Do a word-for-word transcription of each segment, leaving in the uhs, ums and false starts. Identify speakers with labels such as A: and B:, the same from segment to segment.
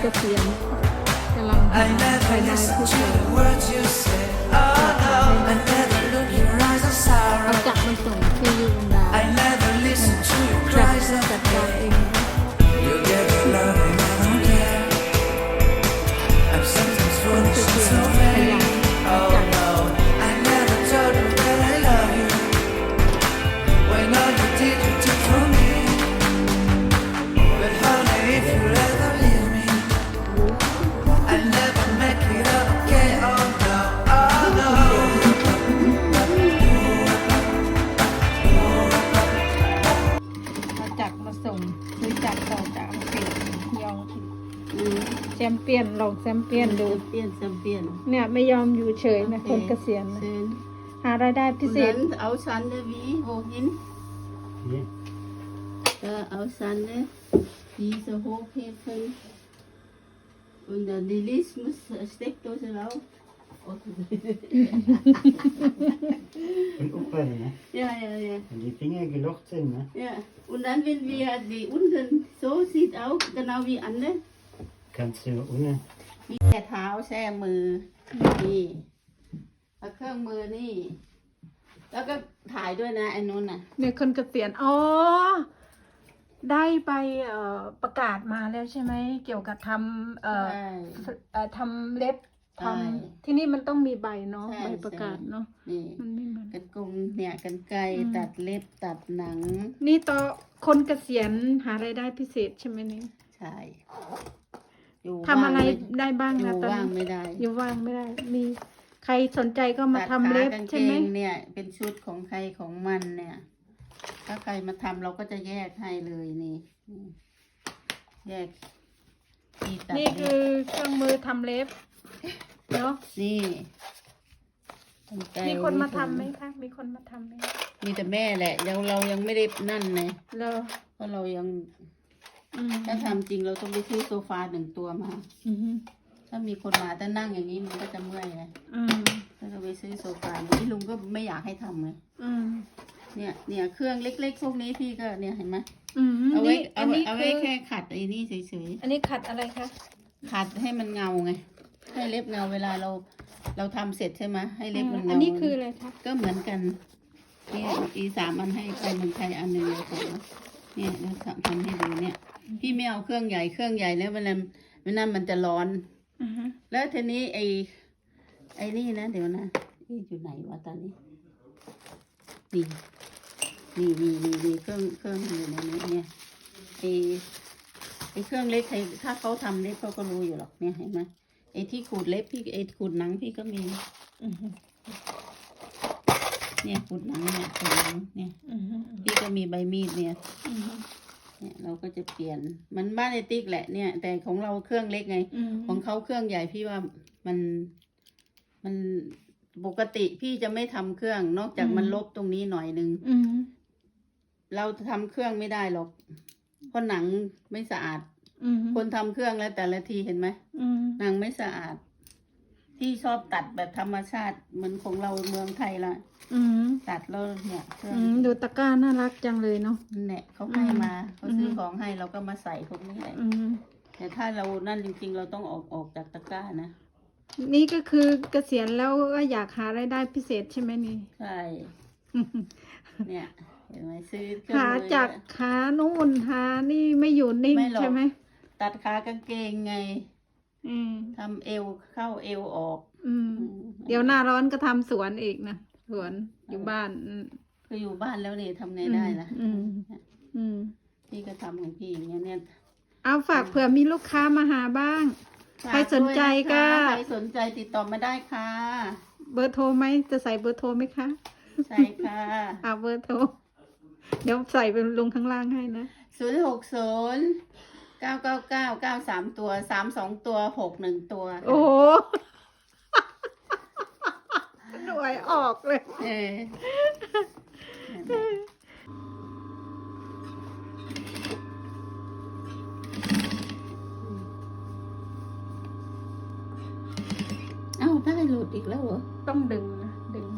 A: เกษียณกำลังหารายได้พิเศษเอาจักรมาส่งที่ยูนดาจัดจัดการเองคนสุดขยันจัดแชมเปี้ยนลองแชมเปี้ยนดู
B: เปลี่ยนแชมเปี้ยน
A: เนี่ยไม่ยอมอยู่เฉยนะคนเกษียณนะหารายได้พิเศษ
B: เอาซันเดวีโฮหินก็เอาซันเดวีสโฮเพเฟนund dann die Lies muss Steckdose rauf
C: und aufhören, ne?
B: Ja, ja, ja.
C: Wenn die Finger gelocht sind, ne?
B: Ja, und dann wenn wir die unten so sieht auch genau wie andere
C: kannst du ohne
B: มีแค่เท้าแช่มือนี่แล้วเครื่องมือนี่แล้วก็ถ่ายด้วยนะไอ้นู้นน่ะ
A: เนี่ยคนเกษียณอ๋อได้ไปเอ่อประกาศมาแล้วใช่ไหมเกี่ยวกับทำเอ่อเอ่อทำเล็บทำที่นี่มันต้องมีใบเนาะใบประกาศเนาะ
B: นี่
A: มันไม่เหมือน
B: กันกงเนี่ยกันไกรตัดเล็บตัดหนัง
A: นี่ต่อคนเกษียณหารายได้พิเศษใช่ไหมนี่
B: ใช่
A: ทำอะไรได้บ้างนะ
B: ตอนนี้อยู่ว่างไม่ได้
A: อยู่ว่างไม่ได้มีใครสนใจก็มาทำเล็บใช่ไหม
B: เนี่ยเป็นชุดของใครของมันเนี่ยถ้าใครมาทำเราก็จะแยกให้เลยนี่แยก
A: นี่คือเครื่องมือทำเล็บเนาะ
B: นี่
A: มีคนมาทำไหมคะมีคนมาทำไหม
B: มีแต่แม่แหละยังเรายังไม่ได้นั่นเลยเพราะเรายังถ้าทำจริงเราต้องไปซื้อโซฟาหนึ่งตัวมาถ้ามีคนมาแต่นั่งอย่างนี้มันก็จะเมื่อยไงถ้าเราไปซื้อโซฟานี่ลุงก็ไม่อยากให้ทำเลยเนี่ยเนี่ยเครื่องเล็กๆพวกนี้พี่ก็เนี่ยเห็นไหมเอาไว้เอาเอาไว้แค่ขัดไอ้นี่เฉย
A: ๆอันนี้ขัดอะไรคะ
B: ขัดให้มันเงาไงให้เล็บเงาเวลาเราเราทำเสร็จใช่ไหมให้เล็บมันเงา
A: อันนี้คืออะไรคะ
B: ก็เหมือนกันนี่อีสามอันให้ไปเมืองไทยอันหนึ่งเลยค่ะเนี่ยเราทำให้ดูเนี่ยพี่ไม่เอาเครื่องใหญ่เครื่องใหญ่แล้วเวลาเวลามันจะร้อนแล้วทีนี้ไอ้ไอ้นี่นะเดี๋ยวนะนี่อยู่ไหนวะตอนนี้นี่นี่นี่นี่นี่เครื่องเครื่องอยู่ในนี้เนี่ยไอ้ไอ้เครื่องเล็กใครถ้าเขาทำเล็บเขาก็รู้อยู่หรอกเนี่ยเห็นไหมไอ้ที่ขูดเล็บพี่ไอ้ขูดหนังพี่ก็มีเนี่ยขูดหนังเนี่ยขูดหนังเนี่ยพี่ก็มีใบมีดเนี่ยเนี่ยเราก็จะเปลี่ยนมันบ้านไอติ๊กแหละเนี่ยแต่ของเราเครื่องเล็กไงของเขาเครื่องใหญ่พี่ว่ามันมันปกติพี่จะไม่ทำเครื่องนอกจากมันลบตรงนี้หน่อยนึงเราทำเครื่องไม่ได้หรอกเพราะหนังไม่สะอาดคนทำเครื่องแล้วแต่ละทีเห็นไหมหนังไม่สะอาดพี่ชอบตัดแบบธรรมชาติเหมือนของเราเมืองไทยละตัดแล้วเนี่ย
A: ดูตะกร้าน่ารักจังเลยเนาะ
B: เนี่ยเขาให้มาเขาซื้อของให้เราก็มาใส่พวกนี้แหละแต่ถ้าเรานั่นจริงๆเราต้องออกออกจากตะกร้านะ
A: นี่ก็คือเกษียณแล้วก็อยากหารายได้พิเศษใช่ไหมนี่
B: ใช่เนี่ยเห็นไหมซื้อ
A: หาจากขานู่นหานี่ไม่อยู่นิ่งใช่ไหม
B: ตัดขากางเกงไงทำเอวเข้าเอวออก
A: เดี๋ยวหน้าร้อนก็ทำสวนอีกนะสวนอยู่บ้าน
B: คืออยู่บ้านแล้วนี่ทำไงได้ล่ะพี่ก็ทำของพี่อย่างเงี้ยเนี่ย
A: เอาฝากเผื่อมีลูกค้ามาหาบ้างใครสนใจก็
B: ใครสนใจติดต่อมาได้ค่ะ
A: เบอร์โทรไหมจะใส่เบอร์โทรไหมคะ
B: ใช่ค่ะ
A: เอาเบอร์โทรเดี๋ยวใส่เป็นลงข้างล่างให้นะ
B: ศูนย์หกศูนย์เก้าเก้าเก้าเก้าสามตัวสามสองตัวหกหนึ่งตัว
A: โอ้หน่วยออกเลยเออ
B: เอ้าได้หลุดอีกแล้วเหรอ
A: ต้องดึงนะดึง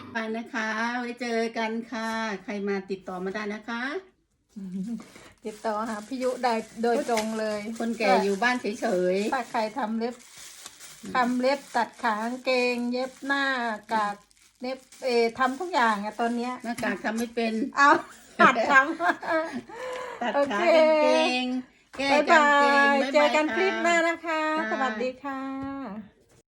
B: ไปนะคะ ไว้เจอกันค่ะ ใครมาติดต่อมาได้นะคะ
A: ติดต่อหาพี่ยุได้โดยตรงเลย
B: คนแก่อยู่บ้านเฉย
A: ถ้าใครทำเล็บทำเล็บตัดขากางเกง เย็บหน้ากากเล็บเออทำทุกอย่างอะตอนเนี้ย
B: ๆหน้ากากทำไม่เป็น
A: เอาหัดท
B: ตัด
A: โอ
B: ขา
A: เค
B: กางเกง
A: ำ
B: แก้
A: บ๊าย
B: กา
A: บาง
B: เกง
A: ย
B: บ๊าย
A: เจอบ
B: าย
A: กัน
B: ค่ะ
A: คลิปหน้านะคะ
B: ค่ะ
A: สวัสดีค่ะ